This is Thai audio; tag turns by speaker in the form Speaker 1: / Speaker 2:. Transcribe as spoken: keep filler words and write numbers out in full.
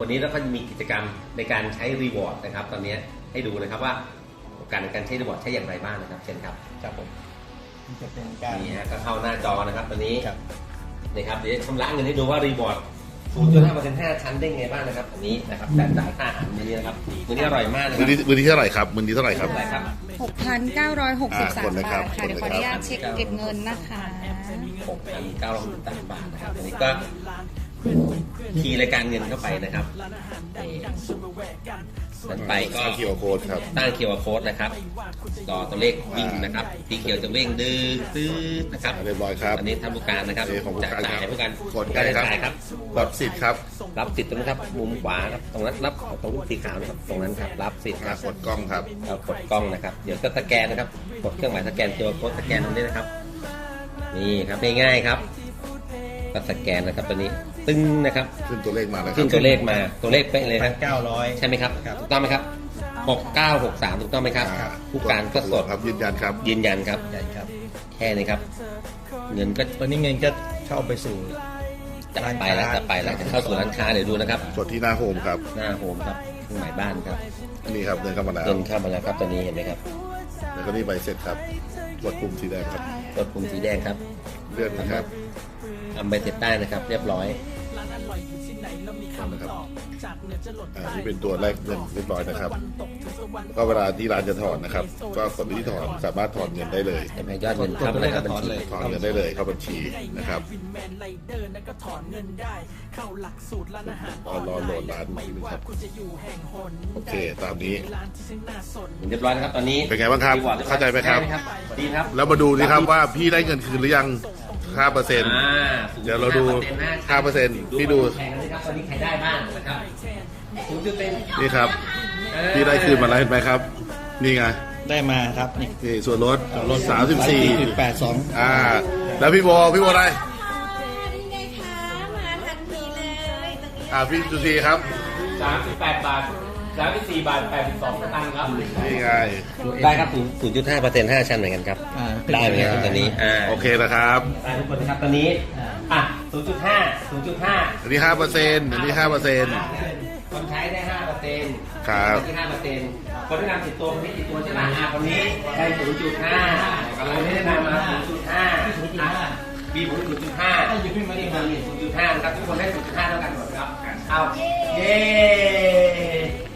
Speaker 1: วันนี้เราก็มีกิจกรรมในการใช้รีวอร์ดนะครับตอนนี้ให้ดูนะครับว่าการในการใช้รีวอร์ดใช้อย่างไรบ้างนะครับเช่นครับครับผม
Speaker 2: จะเป็นการ
Speaker 1: นี่ฮะก็เข้าหน้าจอนะครับตอนนี้
Speaker 2: ครับ
Speaker 1: นี่ครับเดี๋ยวชำระเงินให้ดูว่ารีวอร์ด ศูนย์จุดห้าเปอร์เซ็นต์ ห้าชั้นได้ไงบ้างนะครับอันนี้นะครับแต่จ่ายค่าอาหารมื้อนี้นะครับมื้อนี้อร่อยมากนะค
Speaker 3: มื
Speaker 1: รั
Speaker 3: อบ นี้มือนี้เท่าไหร่ครับมือนี้เท่าไหร่ครับ
Speaker 1: เท่าไหร่ครับ
Speaker 4: หกพันเก้าร้อยหกสิบสาม
Speaker 3: อ่าคนนะครับ
Speaker 4: บาทค่ะเดี๋ยวขออนุญาตเช็คเก็บเงินนะคะ
Speaker 1: หกพันเก้าร้อยหกสิบสามบาทนะครับอันนี้ก็คีย์รายการเงินเข้าไปนะครับถัดไปก็
Speaker 3: สร้าง คิว อาร์ Code ครับ
Speaker 1: ตั้ง คิว อาร์ Code นะครับต่อตัวเลขวิ่งนะครับสีเขียวจะวิ่งดื้อตื้อนะครับ
Speaker 3: เรียบร้อยครับ
Speaker 1: อันนี้ทำผู้การนะครับ
Speaker 3: เอของผู้การ
Speaker 1: จ่าย
Speaker 3: ครับ
Speaker 1: ผู้การ
Speaker 3: กด
Speaker 1: การ
Speaker 3: ครับ
Speaker 1: จ่ายครับ
Speaker 3: รับสิทธิ์ครับ
Speaker 1: รับสิทธิ์ตรงนั้นครับมุมขวาครับตรงนั้นรับตรงสีขาวนะครับตรงนั้นครับรับสิทธิ์ครับ
Speaker 3: กดกล้องครับ
Speaker 1: เรากดกล้องนะครับเดี๋ยวก็สแกนนะครับกดเครื่องหมายสแกน คิว อาร์ Code สแกนตรงนี้นะครับนี่ครับง่ายๆครับก็สแกนนะครับตัวนี้ตึ้งนะครับ
Speaker 3: ขึ้นตัวเลขมาแล้วค
Speaker 1: ขึ้
Speaker 3: รั
Speaker 1: น
Speaker 3: บ
Speaker 1: ตัวเลขมาตัวเลขเป๊ะเลยครับ
Speaker 2: เก้าร้อย
Speaker 1: ใช่ไหมครับ
Speaker 2: ครับ
Speaker 1: ถูกต้องไหมครับหกเก้าหกสามถูกต้องไหมครับ
Speaker 3: อ่า
Speaker 1: ผู้การก็สด
Speaker 3: ครับยืนยันครับ
Speaker 1: ยืนยันครับ
Speaker 2: ใหญ่ครับ
Speaker 1: แค่นี้ครับ เงินก็
Speaker 2: ตอนนี้เงินก็เข้าไปสู่
Speaker 1: จะไปแล้วจะไปแล้วจะเข้าสู่ร้านค้าเดี๋ยวดูนะครับ
Speaker 3: กดที่หน้าโฮมครับ
Speaker 1: หน้าโฮมครับเครื่องหมายบ้านครับ
Speaker 3: นี่ครับเดินเข้ามาแล้ว
Speaker 1: เงินเข้ามาแล้วครับตอนนี้เห็นไหมครับ
Speaker 3: แล้วก็นี่ใบเสร็จครับกดปุ่มสีแดงครับ
Speaker 1: กดปุ่มสีแดงครับ
Speaker 3: เลื่อนนะครับ
Speaker 1: ทำใบเสร็จได้นะครับ เรียบร้อย
Speaker 3: นะครับอ่านี่เป็นตัวแรกเงินเรียบร้อยนะครับก็เวลาที่ร้านจะถอนนะครับ ก็กดไปที่ถอนสามารถถอนเงินได้เลย
Speaker 1: เห็นไหมยอดเงินเข้ามาแล้วครับบัญชี
Speaker 3: ถอนเงินได้เลยเข้าบัญชีนะครับรอรอโหลดร้านนี้นะครับโอเคตามนี้
Speaker 1: เรียบร้อยนะครับตอนนี้
Speaker 3: เป็นไงบ้างครับ
Speaker 1: รีวอดยอย
Speaker 3: เข้าใจไหมครับ
Speaker 1: ดีครับ
Speaker 3: แล้วมาดูนี่ครับว่าพี่ได้เงินคืนหรือยังห้าเปอร์เซ็นต์
Speaker 1: อ่า
Speaker 3: เดี๋ยวเราดูห้าเปอร์เซ็นต์พี่ดู
Speaker 1: แข่งกันนะครับตอนนี้ใครได้บ้างนะครับศูนย์จุดเป็น
Speaker 3: นี่ครับพี่ได้คืนมาแล้วเห็นไหมครับ นี่ไง
Speaker 2: ได้มาครับนี่
Speaker 3: นี่ส่วนลดลดสามสิบสี่
Speaker 2: จุดแปดสอง
Speaker 3: อ่า แล้วพี่โบพี่โบได้
Speaker 4: นี่ไงคะมาทันทีเลยตรงนี้
Speaker 3: อ่าพี่สุธีครับ
Speaker 1: สามสิบแปดบาทสามสิบสี่บาทแปดสิบสองสตางค์ครับ
Speaker 3: นี่ไง
Speaker 1: ได้ครับศูนย์จุดห้าเปอร์เซ็นต์ห้าชั้นเหมือนกันครับ
Speaker 2: อ่า
Speaker 1: ได้เหมือนกันตอนนี้อ่า
Speaker 3: โอเคนะครับ
Speaker 1: ได้ทุกคนนะครับตอนนี้อ่ะศูนย์จุดห้า ศูนย์จุดห้า
Speaker 3: อันนี้ห้าเปอร์เซ็นต์อันนี้ห้าเปอร์เซ็นต์
Speaker 1: คนใช้ได้ห้าเปอร์เซ็นต์
Speaker 3: ครับ
Speaker 1: ที่ห้าเปอร์เซ็นต์คนที่นำติดตัวคนนี้ติดตัวใช่ไหมอ่าคนนี้ได้ศูนย์จุดห้าคนนี้ได้นำมาศูนย์จุดห้าบีผมศูนย์จุดห้าถ้าอยู่ขึ้นมาดีมาศูนย์จุดห้านะครับทุกคนได้ศูนย์จุดห้าเท่ากันหมดครับเอาเย้